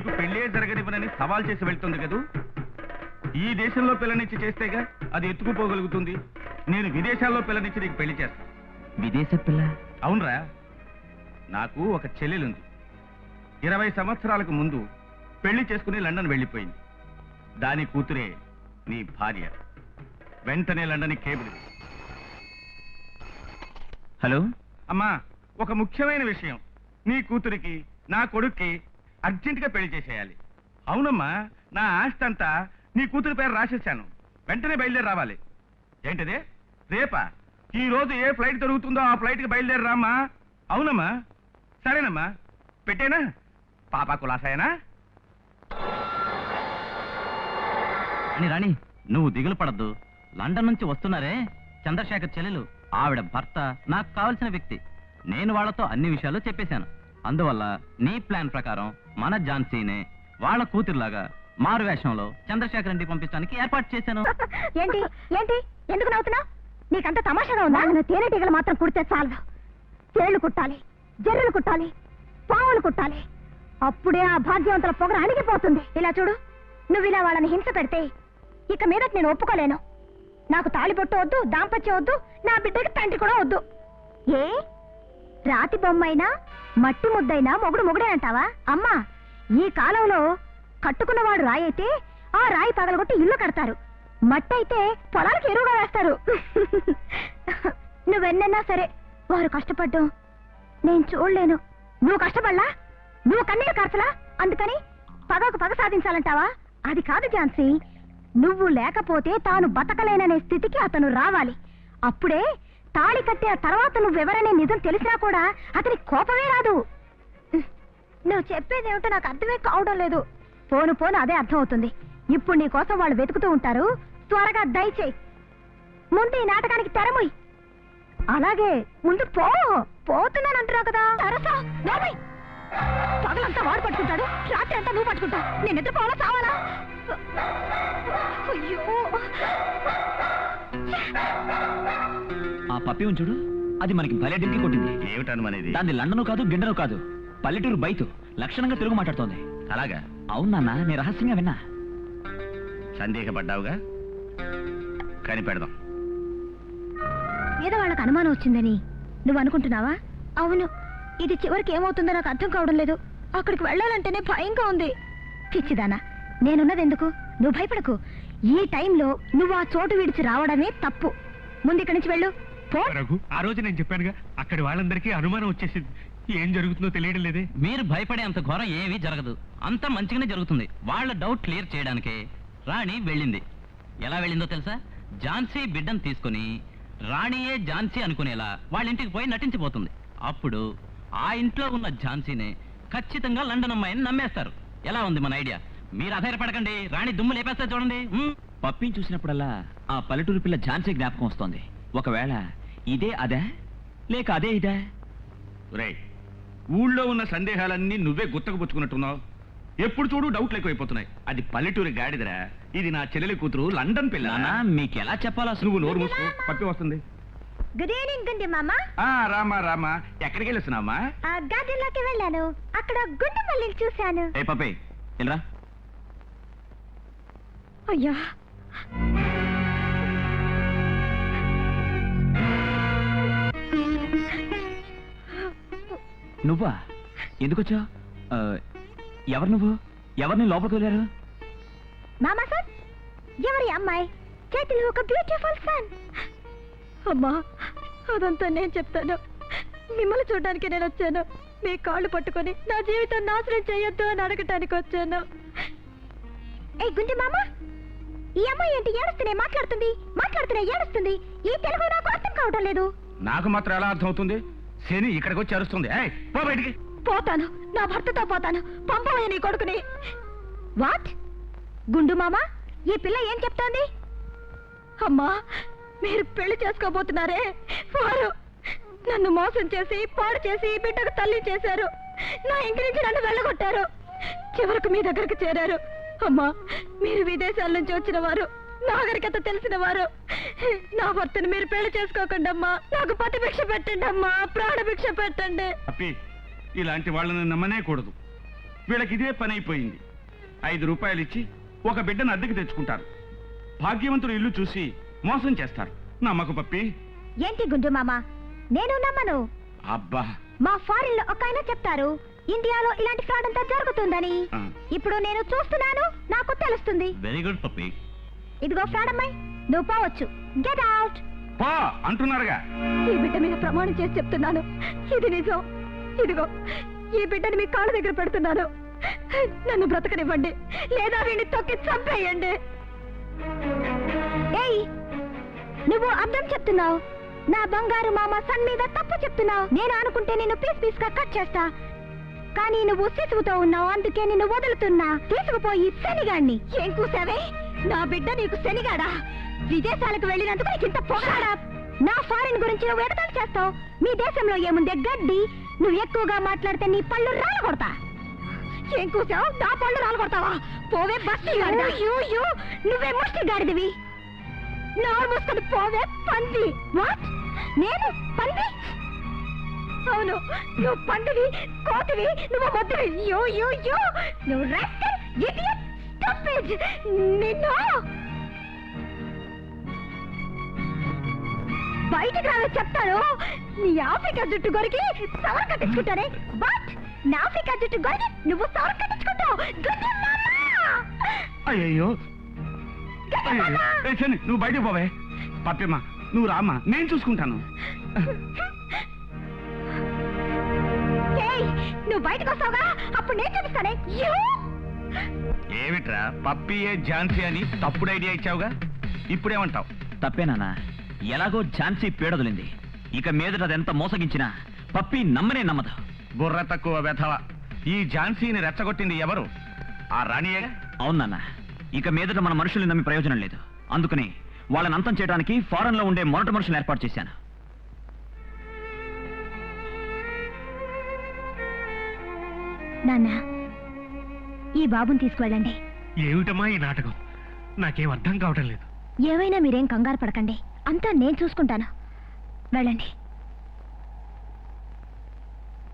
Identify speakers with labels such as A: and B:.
A: నీకు పెళ్ళే జరగనివ్వనని సవాల్ చేసి వెళ్తుంది కదూ. ఈ దేశంలో పిల్లనిచ్చి చేస్తేగా అది ఎత్తుకుపోగలుగుతుంది. నేను విదేశాల్లో పిల్లనిచ్చి నీకు పెళ్లి చేస్తాను.
B: విదేశ పిల్ల?
A: అవునరా, నాకు ఒక చెల్లెలుంది. 20 సంవత్సరాలకు ముందు పెళ్లి చేసుకుని లండన్ వెళ్ళిపోయింది. దాని కూతురే నీ భార్య. వెంటనే లండన్ కేబుల్.
B: హలో
A: అమ్మా, ఒక ముఖ్యమైన విషయం. నీ కూతురికి నా కొడుక్కి అర్జెంటుగా పెళ్లి చేసేయాలి. అవునమ్మా, నా ఆస్తి అంతా నీ కూతురి పేరు రాసేసాను. వెంటనే బయలుదేరి రావాలి. ఏంటిదే? రేపా? ఈ రోజు ఏ ఫ్లైట్ దొరుకుతుందో ఆ ఫ్లైట్కి బయలుదేరి రామ్మా. అవునమ్మా, సరేనమ్మా, పెట్టేనా? పాపా కులాసాయనా?
B: అని రాణి, నువ్వు దిగులు పడద్దు. లండన్ నుంచి వస్తున్నారే చంద్రశేఖర్ చెల్లెలు, ఆవిడ భర్త నాకు కావలసిన వ్యక్తి. నేను వాళ్లతో అన్ని విషయాలు చెప్పేశాను. అందువల్ల నీ ప్లాన్ ప్రకారం మన ఝాన్సీనే వాళ్ళ కూతురులాగా మారు వేషంలో చంద్రశేఖర్ ఇంటికి పంపించడానికి ఏర్పాటు చేశాను.
C: ఏంటి ఏంటి ఎందుకు నవ్వుతున్నావు? నీకంత తమాషాగా ఉందా? తేనెటీగలు మాత్రం కుడితే చాలు. తేళ్లు కుట్టాలి, జర్రులు కుట్టాలి, పావులు కుట్టాలి. అప్పుడే ఆ భాగ్యవంతుల పొగర అణిగిపోతుంది. ఇలా చూడు, నువ్వు ఇలా వాళ్ళని హింస పెడితే ఇక మీదట నేను ఒప్పుకోలేను. నాకు తాళిబొట్టు వద్దు, దాంపత్యం వద్దు, నా బిడ్డకి తండ్రి కూడా వద్దు. ఏ రాతి బొమ్మైనా మట్టి ముద్దైనా మొగుడు మొగుడేనంటావా? అమ్మా, ఈ కాలంలో కట్టుకున్నవాడు రాయి అయితే ఆ రాయి పగలగొట్టి ఇల్లు కడతారు. మట్టి అయితే పొలాలకు ఎరువుగా వేస్తారు. నువ్వెన్నన్నా సరే వారు కష్టపడ్డం నేను చూడలేను. నువ్వు కష్టపడలా, నువ్వు కన్నీరు కార్చలా, అందుకని పగకు పగ సాధించాలంటావా? అది కాదు ఝాన్సీ, నువ్వు లేకపోతే తాను బతకలేననే స్థితికి అతను రావాలి. అప్పుడే తాళి కట్టిన తర్వాత నువ్వెవరనే నిజం తెలిసినా కూడా అతని కోపమే రాదు. నువ్వు చెప్పేదేమిటో నాకు అర్థమే కావడం లేదు. పోను పోను అదే అర్థం అవుతుంది. ఇప్పుడు నీ కోసం వాళ్ళు వెతుకుతూ ఉంటారు. త్వరగా దయచేయి. ముందు ఈ నాటకానికి తెరముయ్. అలాగే ముందు పోతున్నానంటున్నావు కదా. పగలంతా వాడు పట్టుకుంటాడు, రాత్రి అంతా నువ్వు పట్టుకుంటావు. నేను నిద్రపోవాలా చావాలా? అయ్యో,
B: ఆ పప్పి ఉంచుడు, అది మనకి భలే డింకి కొట్టింది.
A: ఏమిటనుమనేది?
B: దాన్ని లండను కాదు, గిండను కాదు, పల్లెటూరు బయట లక్షణంగా తెలుగు మాట్లాడుతోంది.
A: అలాగా?
B: అవునన్నా, నేను రహస్యంగా విన్నా.
A: సందేహపడ్డావుగా, కనిపెడదాం.
C: ఏదో వాళ్ళకి అనుమానం వచ్చిందని నువ్వు అనుకుంటున్నావా? అవును, ఇది చివరికి ఏమవుతుందో నాకు అర్థం కావడం లేదు. అక్కడికి వెళ్ళాలంటేనే భయంగా ఉంది. పిచ్చిదానా, నేనున్నది ఎందుకు? నువ్వు భయపడకు. ఈ టైంలో నువ్వు ఆ చోటు విడిచి రావడమే తప్పు. ముందు ఇక్కడి నుంచి వెళ్ళు.
D: రఘు, ఆ రోజు నేను చెప్పానుగా, అక్కడి వాళ్ళందరికీ అనుమానం వచ్చేసింది. ఏం జరుగుతుందో తెలియడం లేదే.
B: మీరు భయపడే అంత ఘోరం ఏమీ జరగదు. అంతా మంచిగానే జరుగుతుంది. వాళ్ళ డౌట్ క్లియర్ చేయడానికే రాణి వెళ్ళింది. ఎలా వెళ్ళిందో తెలుసా? ఝాన్సీ బిడ్డను తీసుకుని రాణియే ఝాన్సీ అనుకునేలా వాళ్ళ ఇంటికి పోయి నటించిపోతుంది. అప్పుడు ఆ ఇంట్లో ఉన్న ఝాన్సీనే ఖచ్చితంగా లండన్ అమ్మాయిని నమ్మేస్తారు. ఎలా ఉంది మన ఐడియా? మీరు అధైర్యపడకండి, రాణి దుమ్ము లేపేస్తా చూడండి. పప్పిని చూసినప్పుడల్లా ఆ పల్లెటూరు పిల్ల ఝాన్సీ జ్ఞాపకం వస్తోంది. ఒకవేళ ఇదే అదే, లేక అదే ఇదే?
A: రే, ఊళ్ళో ఉన్న సందేహాలన్నీ నువ్వే గుత్తకుపుచ్చుకున్నట్టున్నావు. ఎప్పుడు చూడు డౌట్లు ఎక్కువైపోతున్నాయి. అది పల్లెటూరి గాడిదరా, ఇది నా చెల్లెలి కూతురు లండన్ పిల్ల.
B: మీకు ఎలా చెప్పాలో
A: నువ్వు నోరు మూసుకో, పప్పి వస్తుంది.
C: గుడ్ ఈవినింగ్ గుండి మామా.
A: రామా రామా, ఎక్కడికి వెళ్ళొస్తున్నామా?
C: గార్డెన్లోకి వెళ్ళాను. అక్కడ గుండు మల్లిని చూశాను.
B: ఏ పప్పి, వెళ్ళరా.
C: అయ్యా,
B: నువ్వా? ఎందుకొచ్చా? ఎవరు నువ్వు? ఎవరిని లోపలికి వెళ్ళారు?
C: మామా సార్, ఎవరి అమ్మాయి? చేతిలో ఒక బ్యూటిఫుల్ సన్. అమ్మా, అదంతా నేను చెప్తాను. మిమ్మల్ని చూడడానికి నేను వచ్చాను. మీ కాళ్ళు పట్టుకొని నా జీవితం నాశనం చేయొద్దు అని అడగటానికి వచ్చాను. ఏ గుండి మామ, ఈ అమ్మాయి ఏంటి ఏడుస్తూనే మాట్లాడుతుంది, ఏడుస్తుంది. ఈ తెలుగు నాకు అర్థం కావడం లేదు.
A: నాకు మాత్రం ఎలా అర్థం అవుతుంది? శని ఇక్కడికి వచ్చి అరుస్తుంది. పో బయటికి.
C: పోతాను, నా భర్తతో పోతాను. పంపవయ్య నీ కొడుకుని. వాట్? గుండు మామ, ఈ పిల్ల ఏం చెప్తోంది? అమ్మా, మీరు పెళ్లి చేసుకోబోతున్నారే, వారు నన్ను మోసం చేసి పాడు చేసి బిడ్డకు తల్లి చేశారు. నా ఇంటి నుంచి నన్ను వెళ్ళగొట్టారు. చివరకు మీ దగ్గరికి చేరారు. అమ్మా, మీరు విదేశాల నుంచి వచ్చిన వారు, నాగరికత తెలిసిన వారు. నా భర్తను మీరు పెళ్లి చేసుకోకండి అమ్మా. నాకు పతి భిక్ష పెట్టండి అమ్మా, ప్రాణ భిక్ష పెట్టండి.
A: ఇలాంటి వాళ్ళని నమ్మనే కూడదు. వీళ్ళకి ఇదే పని అయిపోయింది. 5 రూపాయలు ఇచ్చి ఒక బిడ్డను అద్దెకి తెచ్చుకుంటారు. భాగ్యవంతుడు ఇల్లు చూసి మోసం చేస్తారు. నమ్మకు పప్పి.
C: ఏంటి గుండు మామ, నేను నమ్మను.
A: అబ్బా,
C: మా ఫారిన్ లో ఒక ఆయన చెప్తారు ఇండియాలో ఇలాంటి ఫ్రాడ్ అంతా జరుగుతుందని.
A: ఆ.
C: ఇప్పుడు నేను చూస్తున్నాను, నాకు తెలుస్తుంది.
B: Very good puppy.
C: ఇదిగో ఫ్రాడ్ అమ్మాయి, నువ్వు పోవచ్చు. Get out.
A: పో అంటున్నారుగా.
C: ఈ బిడ్డ మీద ప్రమాణం చేసి చెప్తున్నాను, ఇది నిజం. ఇదిగో ఈ బిడ్డని మీ కాళ్ళ దగ్గర పెడుతున్నాను. నన్ను బ్రతకనివ్వండి, లేదా వీడిని తొక్కి చంపేయండి. ఏయ్, నువ్వు అర్థం చెప్తున్నావు. నా బంగారు మామ సన్ మీద తప్పు చెప్తున్నావు. నేను అనుకుంటే నిన్ను పీస్ పీస్ గా కట్ చేస్తా, కానీ నువ్వు శిశువుతో ఉన్నావు, అందుకే నిన్ను వదులుతున్నా. తీసుకుపోయి శనిగాడిని. ఏం కూసావే? నా బిడ్డ నీకు శనిగాడా? విదేశాలకు వెళ్ళినందుకు నీకు ఇంత పొగడా? నా ఫారిన్ గురించి నువ్వు ఎగతాళి చేస్తావు. మీ దేశంలో ఏముందే గడ్డి. నువ్వు ఎక్కువగా మాట్లాడితే నీ పళ్ళు రాలు కొడతా. ఏం కూసావు? నా పళ్ళు రాలు కొడతావా? పోవే బస్తి. నువ్వే ముష్టి గాడిదివి. నోరు మూసుకొని పోవే పంది. వాట్? నేను పంది? అవును, నువ్వు పందివి, కోతివి, నువ్వు మొద్దువి. నువ్వు రాస్కల్, ఇడియట్, స్టూపిడ్. నిన్ను బయటికి రావే చెప్తాను. నీ ఆఫ్రికా జుట్టు గొరికి సవర్ కట్టించుకుంటానే. బట్ నా ఆఫ్రికా జుట్టు గొరికి నువ్వు సవర్ కట్టించుకుంటావు.
A: అయ్యో, నువ్వు బయటకు పోవే. పప్పమ్మా, నువ్వు రామ్మా, నేను చూసుకుంటాను.
C: నువ్వు బయటకు వస్తావుగా, అప్పుడు నేను చూపిస్తానే.
A: ఏమిట్రా పప్పియే ఝాన్సీ అని తప్పుడు ఐడియా ఇచ్చావుగా, ఇప్పుడేమంటావు?
B: తప్పేనా? ఎలాగో ఝాన్సీ పీడదలింది. ఇక మీదట అదెంత మోసగించినా పప్పి నమ్మనే నమ్మదు.
A: బుర్ర తక్కువ వెధవ. ఈ ఝాన్సీని రెచ్చగొట్టింది ఎవరు? ఆ రాణియేగా.
B: అవునన్నా, ఇక మీదట మన మనుషుల్ని నమ్మి ప్రయోజనం లేదు. అందుకని వాళ్ళని అంతం చేయడానికి ఫారెన్ లో ఉండే మొరటి మనుషులను ఏర్పాటు చేశాను.
C: నాన్న, ఈ బాబుని తీసుకువెళ్ళండి.
D: ఏమిటమ్మా ఈ నాటకం? నాకేం అర్థం కావటం లేదు.
C: ఏమైనా మీరేం కంగారు పడకండి, అంతా నేను చూసుకుంటాను. వెళ్ళండి.